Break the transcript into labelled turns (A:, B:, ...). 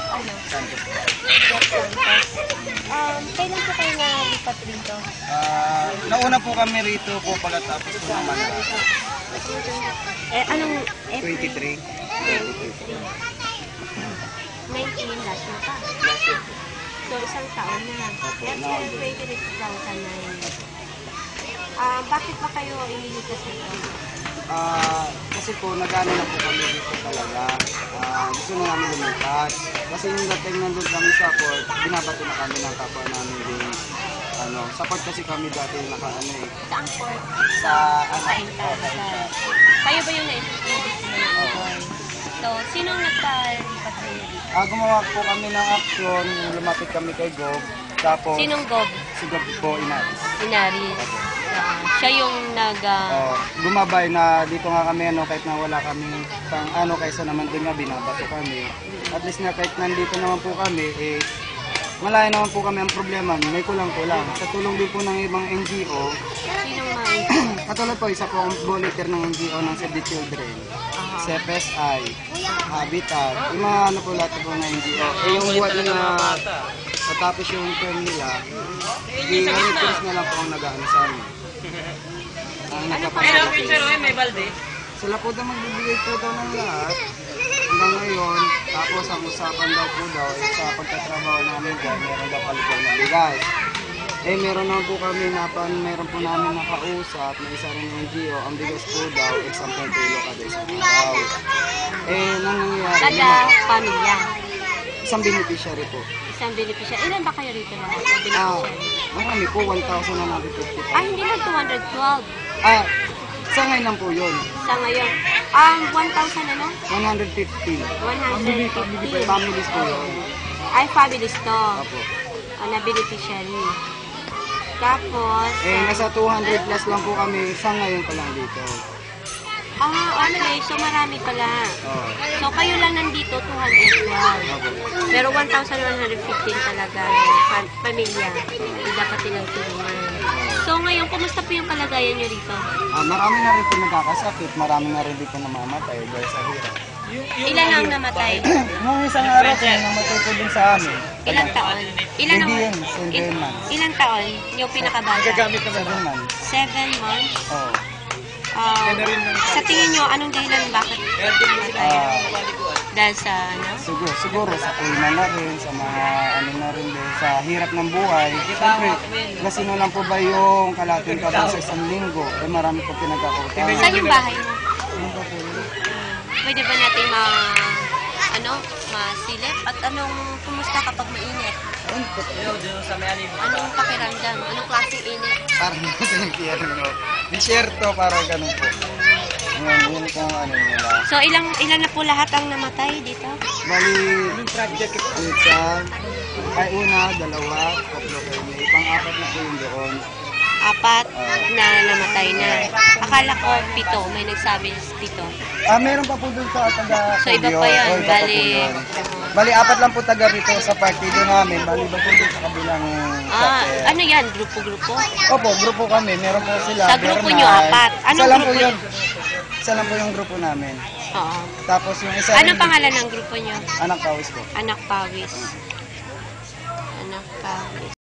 A: ano?
B: Santos.
A: Jeff Santos. Kailan po kayo nalipat rito?
B: Nauna po kami rito po pagkatapos po naman
A: Anong
B: 23.
A: 19 last year pa. So, isang taon na. Last year, 2009. Bakit ba kayo inilikas nito?
B: Kasi po nag-ano na po kami dito talaga. Gusto na namin lumipat. Kasi yung dating nandun kami sa port, binabato na kami ng kapwa namin din. Sa port kasi kami dati naka-ano eh.
A: Saan port?
B: Sa
A: Intan. Kayo ba yung na-introduce mo ng Intan? So, sinong nagpalipat sa inyo dito?
B: Gumawa po kami ng action, lumapit kami kay Gob. Tapos,
A: Sinong Gob?
B: si Gob po, Inaris.
A: Inaris. Siya yung
B: Gumabay na dito nga kami, kahit na wala kami pang kaysa naman doon nga binabato kami. At least na kahit nandito naman po kami, malayo naman po kami ang problema, may kulang-kulang. Sa tulong din po ng ibang NGO,
A: Sinong mga
B: katulad po, isa po ang volunteer ng NGO ng Save the Children, CFSI, Habitat, yung mga po lahat po ng NGO. Yung buwan na matapos yung term nila, volunteers na lang po ang nag-ano sa amin.
A: may balde?
B: Sila po daw magbibigay po daw ng lahat hanggang ngayon. Tapos ang usapan daw po daw sa pagtatrabaho namin dyan, meron daw palipong na bigas. Meron naman po kami meron po namin nakausap na isa rin ng NGO, ang bigas po daw, 10 kilo kada isang araw. Nangyayari
A: Kada pamilya?
B: Isang beneficiary po.
A: Isang beneficiary. Ilan ba kayo rito lahat? Beneficiary?
B: Marami po, 1,150.
A: Hindi lang 212.
B: Sa ngayon lang po yun.
A: Sa ngayon. 1,000 ano?
B: 150.
A: 150.
B: Families po yun.
A: Ay, families to.
B: Apo.
A: Na beneficiary. Tapos...
B: nasa 200 plus lang po kami sa ngayon pa lang dito.
A: Okay. So, marami pala. So, kayo lang nandito, 212.
B: Apo.
A: Pero 1,115 talaga yung pamilya. Dapat nilang tulungan. So, ngayon, kumusta po yung kalagayan nyo rito?
B: Marami na rin po nagkakasakit. Marami na rin dito namamatay dahil sa hirap.
A: Ilan ang namatay?
B: Nung isang araw po, namatay po din sa amin.
A: Ilang taon?
B: Hindi yun, 7 months.
A: Ilang taon? Yung pinakabata?
B: 7 months.
A: 7 months?
B: Oo.
A: Sa tingin nyo, anong dahilan bakit namatay? Dahil sa ano?
B: Siguro sa kulma na rin, sa mga na rin din, sa hirap ng buhay. Siyempre, lasino lang po ba yung kalating kabang sa isang linggo? Marami po pinagkakutang.
A: Saan yung bahay mo?
B: Ano pa po yun?
A: Pwede ba natin masilip? At kumusta kapag mainit? Anong pakiramdam? Anong klaseng init?
B: Parang nasa nagkiyari mo. Disyerto, parang ganun po. Yun kung nila.
A: So, ilan na po lahat ang namatay dito?
B: Bali, una, dalawa, tatlo kayo. Pang-apat na po yung doon.
A: 4 na namatay na. Akala ko 7. May nagsabi 7.
B: Meron pa po doon sa taga
A: So, iba pa yan.
B: Bali, 4 lang po taga rito sa partido namin. Bali, ba po doon sa kabilang chapter.
A: Ano yan? Grupo-grupo?
B: Opo, grupo kami. Meron po sila.
A: Sa grupo nyo, 4. Anong grupo nyo?
B: Isa lang po yung grupo namin.
A: Oo.
B: Tapos yung isa...
A: Anong pangalan ng grupo nyo?
B: Anak Pawis po.
A: Anak Pawis. Anak Pawis.